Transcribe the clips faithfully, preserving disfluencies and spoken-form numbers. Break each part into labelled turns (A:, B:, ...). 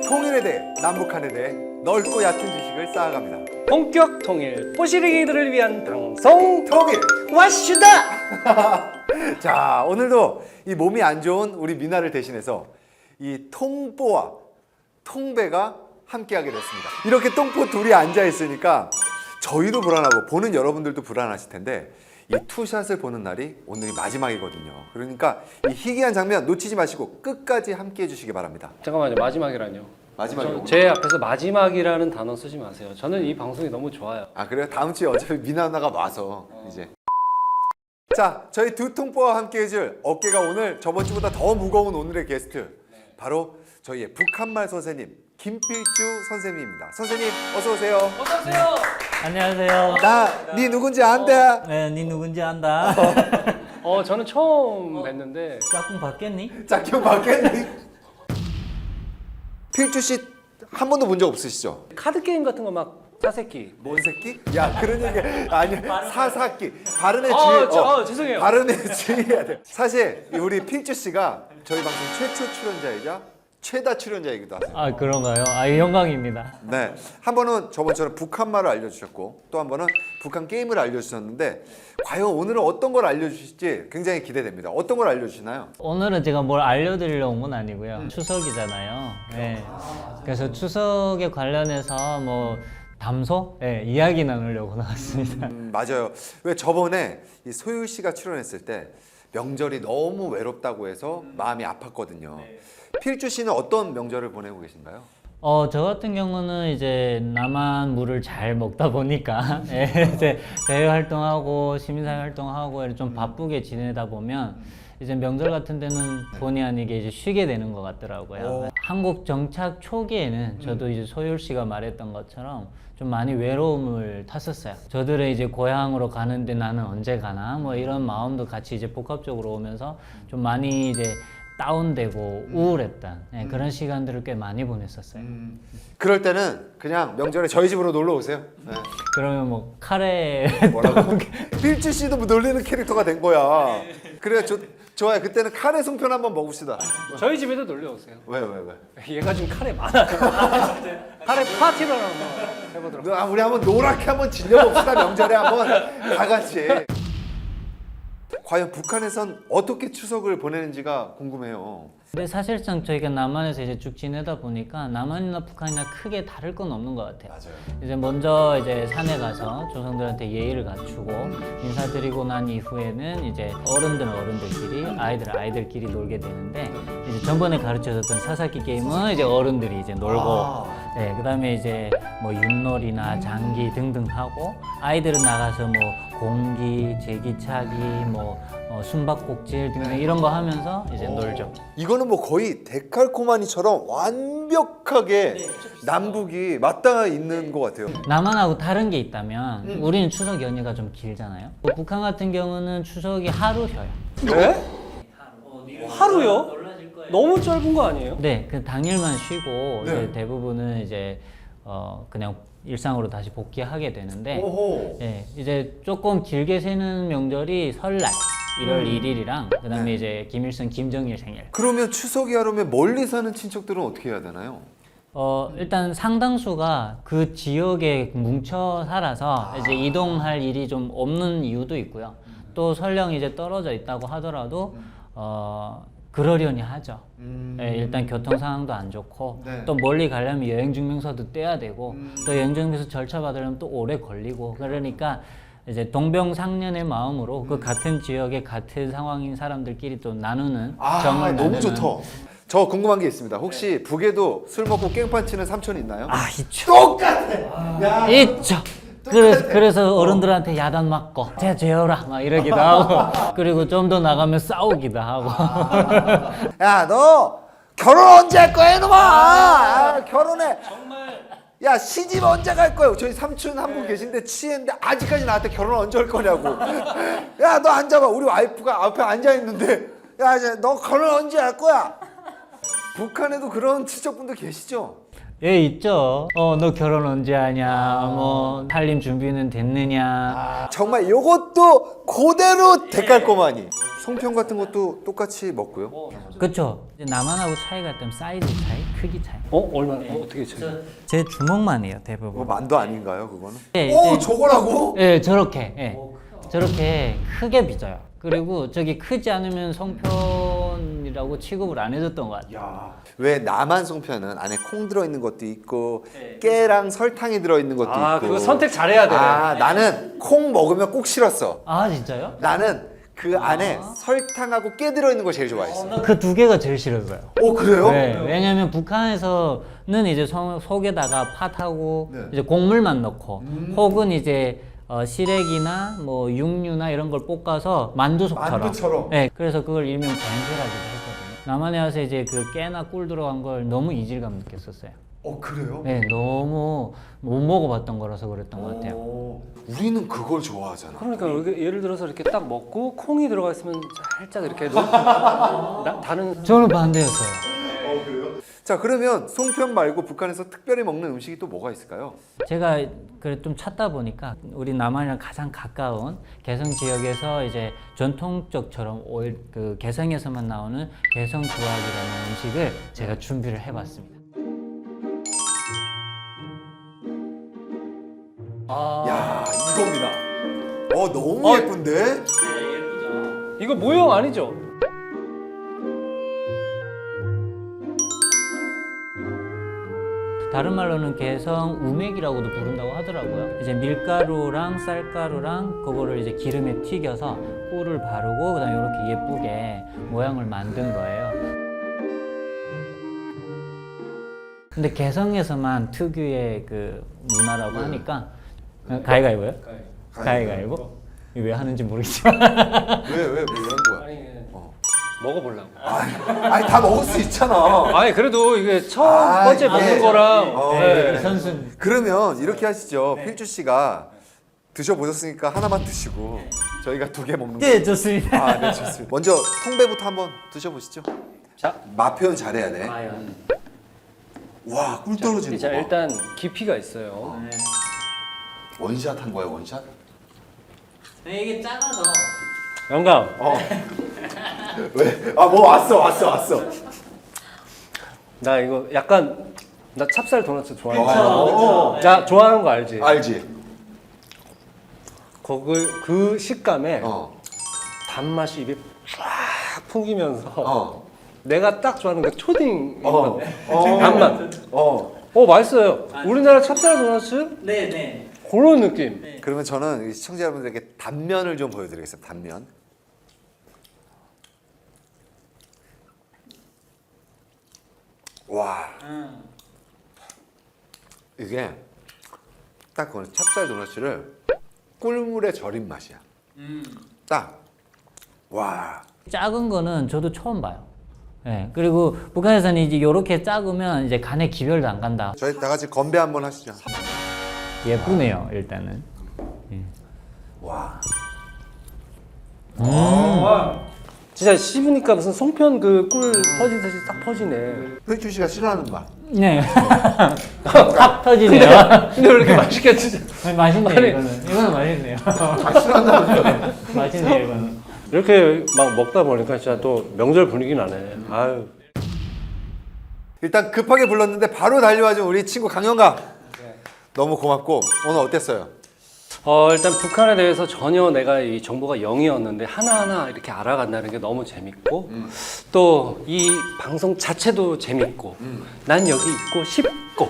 A: 통일에 대해, 남북한에 대해 넓고 얕은 지식을 쌓아갑니다.
B: 본격 통일 뽀시르기들을 위한 방송
A: 통일!
B: 와슈다!
A: 자, 오늘도 이 몸이 안 좋은 우리 미나를 대신해서 이 통뽀와 통배가 함께하게 됐습니다. 이렇게 똥포 둘이 앉아 있으니까 저희도 불안하고 보는 여러분들도 불안하실 텐데 이 투샷을 보는 날이 오늘이 마지막이거든요. 그러니까 이 희귀한 장면 놓치지 마시고 끝까지 함께 해주시기 바랍니다.
B: 잠깐만요, 마지막이라뇨.
A: 마지막이요?
B: 저, 제 앞에서 마지막이라는 단어 쓰지 마세요. 저는 이 방송이 너무 좋아요.
A: 아 그래요? 다음 주에 어차피 미나 누나가 와서 이제 자, 저희 두 통뽀와 함께 해줄 어깨가 오늘 저번 주보다 더 무거운 오늘의 게스트 바로 저희의 북한말 선생님 김필주 선생님입니다. 선생님 어서 오세요.
B: 어서 오세요.
C: 안녕하세요.
A: 나 네 누군지 안돼.
C: 네, 네 누군지 안다.
B: 어, 저는 처음 뵀는데
C: 짝꿍 바뀌었니?
A: 자, 기억 맞겠니? 필주 씨 한 번도 본 적 없으시죠?
B: 카드 게임 같은 거 막 사새끼.
A: 뭔 새끼? 야 그런 얘기 아니야. 사사끼. 발음에
B: 아,
A: 주의.
B: 저, 아, 죄송해요.
A: 발음에 주의해야 돼. 사실 우리 필주 씨가 저희 방송 최초 출연자이자 최다 출연자이기도 하세요.
C: 아 그런가요? 아 영광입니다.
A: 네, 한 번은 저번처럼 북한말을 알려주셨고 또 한 번은 북한 게임을 알려주셨는데 과연 오늘은 어떤 걸 알려주실지 굉장히 기대됩니다. 어떤 걸 알려주시나요?
C: 오늘은 제가 뭘 알려드리려 온 건 아니고요. 추석이잖아요. 네. 그래서 추석에 관련해서 뭐 담소? 네, 이야기 나누려고 나왔습니다.
A: 음, 맞아요. 왜 저번에 이 소유 씨가 출연했을 때 명절이 너무 외롭다고 해서 마음이 아팠거든요. 필주 씨는 어떤 명절을 보내고 계신가요?
C: 어, 저 같은 경우는 이제 남한 물을 잘 먹다 보니까 예, 이제 대외 활동하고 시민사회 활동하고 이렇게 좀 바쁘게 지내다 보면 이제 명절 같은 데는 본의 아니게 이제 쉬게 되는 것 같더라고요.
A: 오.
C: 한국 정착 초기에는 저도 이제 소율 씨가 말했던 것처럼 좀 많이 외로움을 탔었어요. 저들의 이제 고향으로 가는데 나는 언제 가나 뭐 이런 마음도 같이 이제 복합적으로 오면서 좀 많이 이제 다운되고 우울했던 네, 그런 시간들을 꽤 많이 보냈었어요.
A: 음, 그럴 때는 그냥 명절에 저희 집으로 놀러 오세요. 네.
C: 그러면 뭐 카레
A: 뭐라고? 필주 씨도 뭐 놀리는 캐릭터가 된 거야. 그래, 저, 좋아요. 그때는 카레 송편 한번 먹읍시다.
B: 저희 집에도 놀러 오세요.
A: 왜, 왜, 왜?
B: 얘가 좀 카레 많아요. 카레 파티를 한번 해보도록.
A: 아, 우리 한번 노랗게 한번 질려봅시다. 명절에 한번 다 같이. 과연 북한에선 어떻게 추석을 보내는지가 궁금해요.
C: 근데 사실상 저희가 남한에서 이제 쭉 지내다 보니까 남한이나 북한이나 크게 다를 건 없는 것 같아요.
A: 맞아요.
C: 이제 먼저 이제 산에 가서 조상들한테 예의를 갖추고 인사드리고 난 이후에는 이제 어른들은 어른들끼리 아이들은 아이들끼리 놀게 되는데 이제 전번에 가르쳐줬던 사사키 게임은 이제 어른들이 이제 놀고
A: 아.
C: 네, 그다음에 이제 뭐 윷놀이나 장기 등등 하고 아이들은 나가서 뭐 공기, 제기차기, 뭐 어, 숨바꼭질 등등 이런 거 하면서 이제 놀죠.
A: 이거는 뭐 거의 데칼코마니처럼 완벽하게 남북이 맞닿아 있는 것 같아요.
C: 남한하고 다른 게 있다면 우리는 추석 연휴가 좀 길잖아요. 뭐 북한 같은 경우는 추석이 하루 쉬어요.
B: 네? 하루요? 너무 짧은 거 아니에요?
C: 네, 그 당일만 쉬고
A: 네.
C: 이제 대부분은 이제 어 그냥 일상으로 다시 복귀하게 되는데
A: 오호.
C: 예, 이제 조금 길게 새는 명절이 설날 일월 일일이랑 그다음에
A: 네.
C: 이제 김일성, 김정일 생일.
A: 그러면 추석이 하려면 멀리 사는 친척들은 어떻게 해야 되나요?
C: 어 일단 상당수가 그 지역에 뭉쳐 살아서 이제 이동할 일이 좀 없는 이유도 있고요. 또 설령 이제 떨어져 있다고 하더라도 어 그러려니 하죠.
A: 음.
C: 예, 일단 교통 상황도 안 좋고
A: 네.
C: 또 멀리 가려면 여행 증명서도 떼야 되고
A: 음.
C: 또 여행 증명서 절차 받으려면 또 오래 걸리고 그러니까 이제 동병상련의 마음으로 그 같은 지역에 같은 상황인 사람들끼리 또 나누는
A: 아,
C: 정을
A: 너무
C: 나누는
A: 좋다. 저 궁금한 게 있습니다. 혹시 북에도 술 먹고 깽판 치는 삼촌 있나요?
C: 아 있죠.
A: 똑같아. 야.
C: 있죠. 그래서, 그래서 어른들한테 야단 맞고 쟤 죄어라 막 이러기도 하고 그리고 좀 더 나가면 싸우기도 하고
A: 야, 너 결혼 언제 할 거야, 이놈아? 아, 결혼해. 정말. 야, 시집 언제 갈 거야? 저희 삼촌 한 분 계신데 치했는데 아직까지 나한테 결혼 언제 할 거냐고. 야, 너 앉아봐. 우리 와이프가 앞에 앉아 있는데, 야, 이제 너 결혼 언제 할 거야? 북한에도 그런 친척분들 계시죠?
C: 예, 있죠. 어, 너 결혼 언제 하냐, 뭐, 살림 준비는 됐느냐.
A: 정말 요것도 그대로 대깔꼬마니. 송편 같은 것도 똑같이 먹고요.
C: 그쵸. 이제 남한하고 차이가 있다면 사이즈 차이, 크기 차이.
B: 어? 얼마나? 어, 어떻게 차이?
C: 제 주먹만 해요,
A: 뭐
C: 대부분.
A: 만두 아닌가요, 그거는?
C: 예,
A: 오,
C: 이제-
A: 저거라고?
C: 예, 저렇게. 예. 저렇게 크게 빚어요. 그리고 저기 크지 않으면 송편이라고 취급을 안 해줬던 것 같아요.
A: 야, 왜 남한 송편은 안에 콩 들어있는 것도 있고 깨랑 설탕이 들어있는 것도
B: 아,
A: 있고
B: 그거 선택 잘해야 돼.
A: 아, 나는 콩 먹으면 꼭 싫었어.
C: 아, 진짜요?
A: 나는 그 안에 설탕하고 깨 들어있는 거 제일 좋아했어.
C: 그 두 개가 제일 싫었어요.
A: 오, 그래요?
C: 네, 왜냐면 북한에서는 이제 속, 속에다가 팥하고
A: 네.
C: 이제 곡물만 넣고 혹은 이제 어, 시래기나 뭐 육류나 이런 걸 볶아서 만두속처럼.
A: 만두처럼.
C: 네, 그래서 그걸 일명 밴드라고도 했거든요. 남한에 와서 이제 그 깨나 꿀 들어간 걸 너무 이질감 느꼈었어요.
A: 어, 그래요?
C: 네, 너무 못 먹어봤던 거라서 그랬던 것 같아요.
A: 오, 우리는 그걸 좋아하잖아.
B: 그러니까 이렇게 예를 들어서 이렇게 딱 먹고 콩이 들어가 있으면 살짝 이렇게 놓- 나, 다른
C: 저는 반대였어요.
A: 자, 그러면 송편 말고 북한에서 특별히 먹는 음식이 또 뭐가 있을까요?
C: 제가 그래 좀 찾다 보니까 우리 남한이랑 가장 가까운 개성 지역에서 이제 전통적처럼 오일 그 개성에서만 나오는 개성 주악이라는 음식을 제가 준비를 해봤습니다. 아,
A: 야, 이겁니다. 어, 너무
B: 어.
A: 예쁜데?
B: 이거 모형 아니죠?
C: 다른 말로는 개성 우맥이라고도 부른다고 하더라고요. 이제 밀가루랑 쌀가루랑 그거를 이제 기름에 튀겨서 꿀을 바르고 그다음에 이렇게 예쁘게 모양을 만든 거예요. 근데 개성에서만 특유의 그 문화라고 하니까 가위가위보요? 가위가위보? 이거 왜 하는지 모르겠지만
A: 왜, 왜, 왜 이런 거야?
B: 아니
A: 어.
B: 먹어보려고.
A: 아니, 다 먹을 수 있잖아.
B: 아니 그래도 이게 첫
A: 아,
B: 번째
A: 이게-
B: 먹는 거랑
A: 어,
B: 네.
C: 선순
A: 그러면 이렇게 하시죠. 필주 씨가 드셔보셨으니까 하나만 드시고 저희가 두 개 먹는
C: 네, 좋습니다.
A: 아, 네, 좋습니다. 먼저 통배부터 한번 드셔보시죠.
B: 자,
A: 맛 표현 잘해야 돼.
C: 과연.
A: 와, 꿀 떨어지는
B: 자
A: 거 봐.
B: 일단 깊이가 있어요.
A: 원샷 한 거야, 원샷?
C: 네, 이게 작아서
B: 영감.
A: 어. 왜? 아, 뭐 왔어, 왔어, 왔어.
B: 나 이거 약간 나 찹쌀 도넛 좋아해.
A: 어,
B: 나 좋아하는 거 알지?
A: 알지?
B: 거기 그 식감에
A: 어.
B: 단맛이 입에 쫙 풍기면서
A: 어.
B: 내가 딱 좋아하는 그 초딩
A: 어. 어.
B: 단맛.
A: 어.
B: 어 맛있어요. 우리나라 찹쌀 도넛
C: 네, 네.
B: 그런 느낌.
A: 그러면 저는 이 시청자 여러분들에게 단면을 좀 보여드리겠습니다. 단면. 와. 이게 딱 그거는 찹쌀 도넛을 꿀물에 절인 맛이야. 딱. 와.
C: 작은 거는 저도 처음 봐요. 네, 그리고 북한에서는 이제 이렇게 작으면 이제 간에 기별도 안 간다.
A: 저희 다 같이 건배 한번 하시죠.
C: 예쁘네요, 일단은.
A: 와.
B: 진짜 씹으니까 무슨 송편 그 꿀 퍼지듯이 딱 퍼지네.
A: 필주 씨가 싫어하는 맛.
C: 네. 탁 터지네요.
B: 근데 왜 이렇게 맛있게 드죠?
C: 맛있네요,
B: 아니.
C: 이거는. 이거는 맛있네요.
A: 아, 싫어한다면서요?
C: 맛있네요, 이거는.
B: 이렇게 막 먹다 보니까 진짜 또 명절 분위기 나네. 아유.
A: 일단 급하게 불렀는데 바로 달려와준 우리 친구 강영감. 너무 고맙고 오늘 어땠어요?
B: 어 일단 북한에 대해서 전혀 내가 이 정보가 영이었는데 하나하나 이렇게 알아간다는 게 너무 재밌고 또 이 방송 자체도 재밌고 난 여기 있고 싶고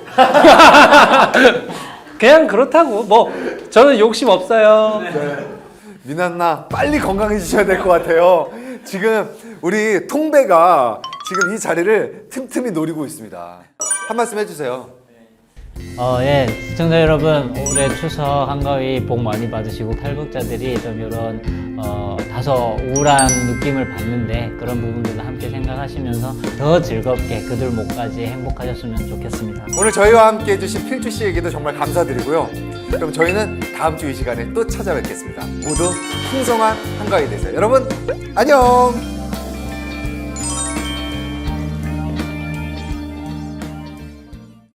B: 그냥 그렇다고 뭐 저는 욕심 없어요.
A: 미나나 빨리 건강해지셔야 될 것 같아요. 지금 우리 통배가 지금 이 자리를 틈틈이 노리고 있습니다. 한 말씀 해주세요.
C: 어, 예, 시청자 여러분, 올해 추석 한가위 복 많이 받으시고 탈북자들이 좀 이런 어, 다소 우울한 느낌을 받는데 그런 부분들을 함께 생각하시면서 더 즐겁게 그들 목까지 행복하셨으면 좋겠습니다.
A: 오늘 저희와 함께 해주신 필주 씨에게도 정말 감사드리고요. 그럼 저희는 다음 주 이 시간에 또 찾아뵙겠습니다. 모두 풍성한 한가위 되세요. 여러분 안녕.